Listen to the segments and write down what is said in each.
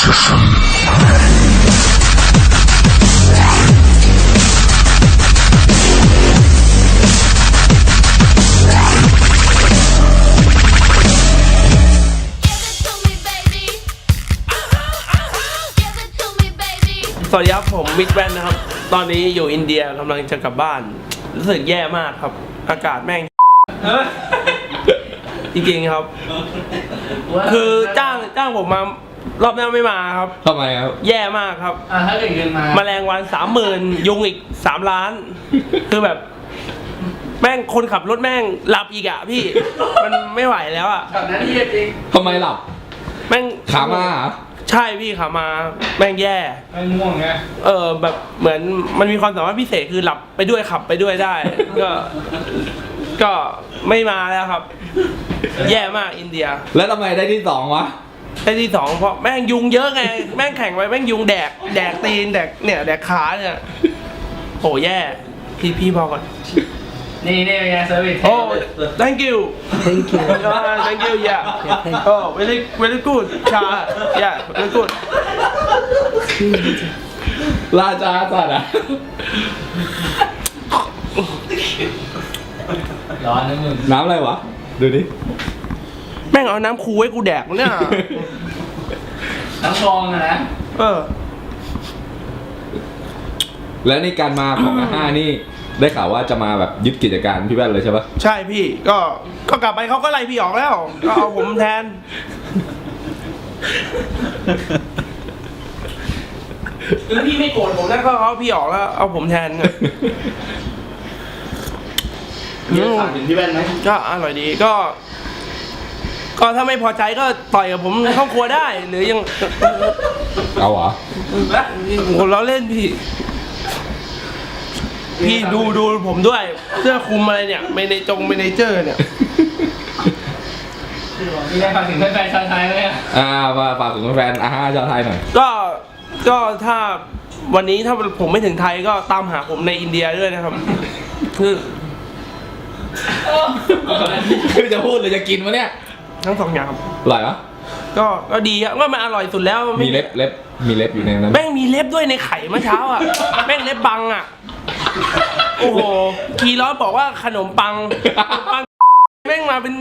สวัสดีครับผมมิดแวนนะครับตอนนี้อยู่อินเดียกำลังจะกลับบ้านรู้สึกแย่มากครับอากาศแม่งจริงๆครับคือจ้างผมมารอบหน้าไม่มาครับทำไมครับแย่มากครับถ้าเกิดเงินมาแมลงวัน 30,000 ยุงอีก3 ล้านคือแบบแม่งคนขับรถแม่งหลับอีกอะพี่มันไม่ไหวแล้วอะแบบนั้นที่จริงทำไมหลับแม่งขามาเหรอใช่พี่ขามาแม่งแย่ไม่ง่วงไงแบบเหมือนมันมีความสามารถพิเศษคือหลับไปด้วยขับไปด้วยได้ก็ไม่มาแล้วครับแย่มากอินเดียแล้วทำไมได้ที่2วะได้ที่2เพราะแม่งยุงเยอะไงแม่งแข่งไปแม่งยุงแดกตีนแดกขาเนี่ยโหแย่พี่พอก่อนนี่เป็นไงเซอร์วิสโอ้ thank you thank you yeah oh very good ชา yeah very good ราชาสัตว์อะร้อนนะมึงน้ำอะไรวะดูดิแม่งเอาน้ำคูให้กูแดกเนี่ยน้ำฟองนะแล้วในการมาของ5นี่ได้ข่าวว่าจะมาแบบยึดกิจการพี่แว่นเลยใช่ปะใช่พี่ก็กลับไปเขาก็ไล่พี่ออกแล้วก็เอาผมแทนแล้วพี่ไม่โกรธผมนะก็เอาพี่ออกแล้วเอาผมแทนมีถามถึงพี่แว่นไหมก็อร่อยดีก็ถ้าไม่พอใจก็ต่อยกับผมในห้องครัวได้หรือยังเอาเหรอเราเล่นพี่ดูผมด้วยเสื้อคลุมอะไรเนี่ยเมเนเจอร์เนี่ยมีอะไรฝากถึงแฟนชาวไทยไหมฝากถึงแฟนชาวไทยหน่อยก็ถ้าวันนี้ถ้าผมไม่ถึงไทยก็ตามหาผมในอินเดียด้วยนะครับคือจะพูดหรือจะกินวะเนี่ยทั้ง2 อย่างอร่อยปะก็ดีครับว่ามันอร่อยสุดแล้วมีเล็บอยู่ในนั้นแม่งมีเล็บด้วยในไข่เมื่อเช้าอ่ะแม่งเล็บบังอ่ะโอ้โหคีร้อนบอกว่าขนมปังแม่งมาเป็น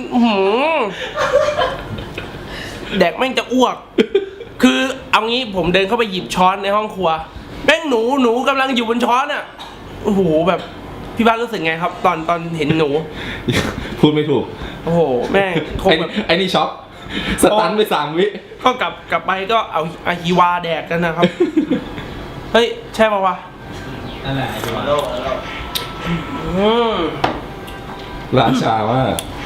แดกแม่งจะอ้วกคือเอางี้ผมเดินเข้าไปหยิบช้อนในห้องครัวแม่งหนูกำลังอยู่บนช้อนอ่ะโอ้โหแบบพี่บ้านรู้สึกไงครับตอนเห็นหนูพูดไม่ถูกโอ้โหแม่งคงแบบไอ้นี่ช็อกสตันไป3 วิก็กลับไปก็เอาอาฮิวาแดกกันนะครับเฮ้ยใช่ป่าววะนั่นแหละอาฮิวาราชามาก